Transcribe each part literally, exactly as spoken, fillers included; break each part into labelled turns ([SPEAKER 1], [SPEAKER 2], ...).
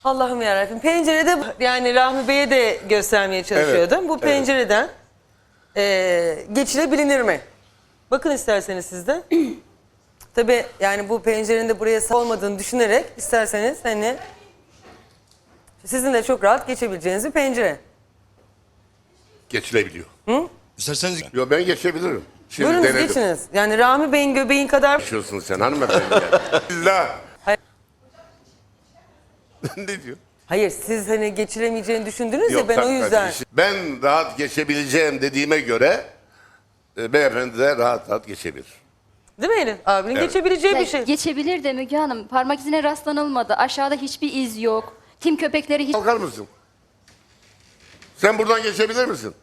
[SPEAKER 1] Allah'ım yarabbim. Pencerede yani Rahmi Bey'e de göstermeye çalışıyordum.
[SPEAKER 2] Evet,
[SPEAKER 1] Bu
[SPEAKER 2] evet.
[SPEAKER 1] pencereden e, geçilebilir mi? Bakın isterseniz siz de. Tabii yani bu pencerenin de buraya sağ olmadığını düşünerek isterseniz hani sizin de çok rahat geçebileceğiniz bir pencere.
[SPEAKER 2] Geçilebiliyor.
[SPEAKER 3] İsterseniz
[SPEAKER 2] Yo, ben geçebilirim. Şimdi
[SPEAKER 1] Buyurunuz
[SPEAKER 2] denedim.
[SPEAKER 1] geçiniz. Yani Rahmi Bey'in göbeğin kadar...
[SPEAKER 2] Geçiyorsun sen hanımefendi. ya. İlla.
[SPEAKER 1] Hayır.
[SPEAKER 2] Ne diyor?
[SPEAKER 1] Hayır siz hani geçiremeyeceğini düşündünüz ya
[SPEAKER 2] Yok,
[SPEAKER 1] ben o
[SPEAKER 2] tabii,
[SPEAKER 1] yüzden.
[SPEAKER 2] tabii. Ben rahat geçebileceğim dediğime göre e, beyefendi de rahat rahat geçebilir.
[SPEAKER 1] Değil mi Elif? Abinin
[SPEAKER 2] Evet.
[SPEAKER 1] geçebileceği
[SPEAKER 4] Ya
[SPEAKER 1] bir şey.
[SPEAKER 4] Geçebilir de Müge Hanım. Parmak izine rastlanılmadı. Aşağıda hiçbir iz yok. Tim köpekleri hiç...
[SPEAKER 2] Kalkar mısın? Sen buradan geçebilir misin?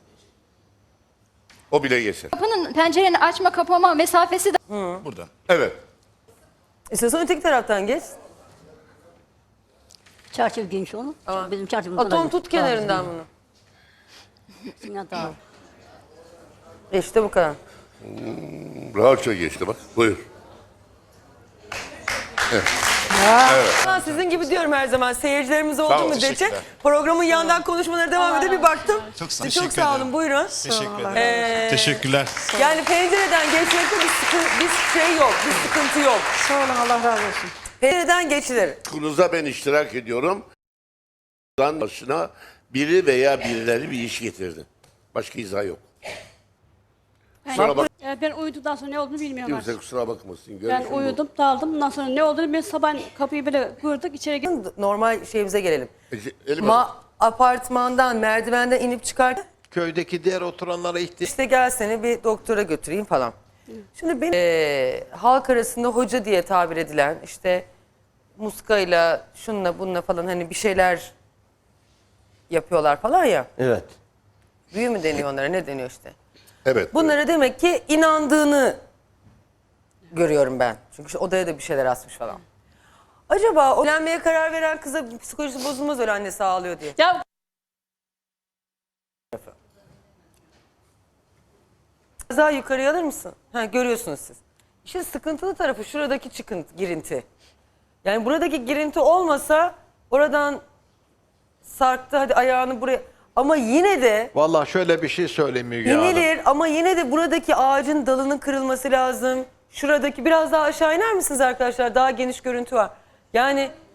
[SPEAKER 2] O bile geçer.
[SPEAKER 4] Kapının, pencerenin açma kapama mesafesi de...
[SPEAKER 3] burada.
[SPEAKER 2] Evet.
[SPEAKER 1] İstiyorsan öteki taraftan geç.
[SPEAKER 5] Çarşaf geniş onu. Bizim çarşafımız
[SPEAKER 1] Atom tut kenarından bunu.
[SPEAKER 5] bunu.
[SPEAKER 1] İşte bu kadar.
[SPEAKER 2] Rahatça geçti bak. Buyur.
[SPEAKER 1] Ben sizin gibi diyorum her zaman. Seyircilerimiz
[SPEAKER 2] Sağ
[SPEAKER 1] olduğu
[SPEAKER 2] ol,
[SPEAKER 1] müddetçe
[SPEAKER 3] teşekkürler.
[SPEAKER 1] programın yandan konuşmalara devam edip bir baktım.
[SPEAKER 3] Çok sağ-
[SPEAKER 1] Çok
[SPEAKER 3] teşekkür
[SPEAKER 1] sağ olun.
[SPEAKER 3] ederim.
[SPEAKER 1] Buyurun.
[SPEAKER 3] Teşekkür ederim.
[SPEAKER 1] Ee,
[SPEAKER 3] Teşekkürler.
[SPEAKER 1] Yani pencereden geçmekte bir, sıkı- bir şey yok. Bir sıkıntı yok.
[SPEAKER 5] Sağ olun, Allah razı olsun.
[SPEAKER 1] Pencereden geçilir.
[SPEAKER 2] Kuruza ben iştirak ediyorum. Lan başına biri veya birileri bir iş getirdi. Başka izah yok. Kusura bak.
[SPEAKER 6] Ee, Ben uyuduktan sonra ne olduğunu bilmiyorum
[SPEAKER 2] Kimse
[SPEAKER 6] artık.
[SPEAKER 2] kusura bakmasın.
[SPEAKER 6] Ben
[SPEAKER 2] Görüşüm bu.
[SPEAKER 6] uyudum, daldım. Bundan sonra ne olduğunu ben sabah kapıyı böyle kırdık, içeri girdim.
[SPEAKER 1] Normal şeyimize gelelim.
[SPEAKER 2] Ece- Elim
[SPEAKER 1] Ma apartmandan, merdivenden inip çıkarken
[SPEAKER 7] Köydeki diğer oturanlara ihtiyaç
[SPEAKER 1] işte gel seni bir doktora götüreyim falan. Şimdi benim eee, halk arasında hoca diye tabir edilen işte muskayla şunla bununla falan hani bir şeyler yapıyorlar falan ya.
[SPEAKER 7] Evet.
[SPEAKER 1] Büyü mü deniyor onlara ne deniyor işte.
[SPEAKER 2] Evet.
[SPEAKER 1] Bunlara demek ki inandığını görüyorum ben. Çünkü işte odaya da bir şeyler asmış falan. Acaba o evlenmeye karar veren kıza psikolojisi bozulmaz öyle annesi ağlıyor diye.
[SPEAKER 6] Ya
[SPEAKER 1] Biraz daha yukarıya alır mısın? Ha, görüyorsunuz siz. İşte sıkıntılı tarafı şuradaki çıkıntı, girinti. Yani buradaki girinti olmasa oradan sarktı hadi ayağını buraya. Ama yine de
[SPEAKER 7] Vallahi şöyle bir şey söyleyeyim Müge Hanım.
[SPEAKER 1] inilir ama yine de buradaki ağacın dalının kırılması lazım. Şuradaki biraz daha aşağı iner misiniz arkadaşlar? Daha geniş görüntü var. Yani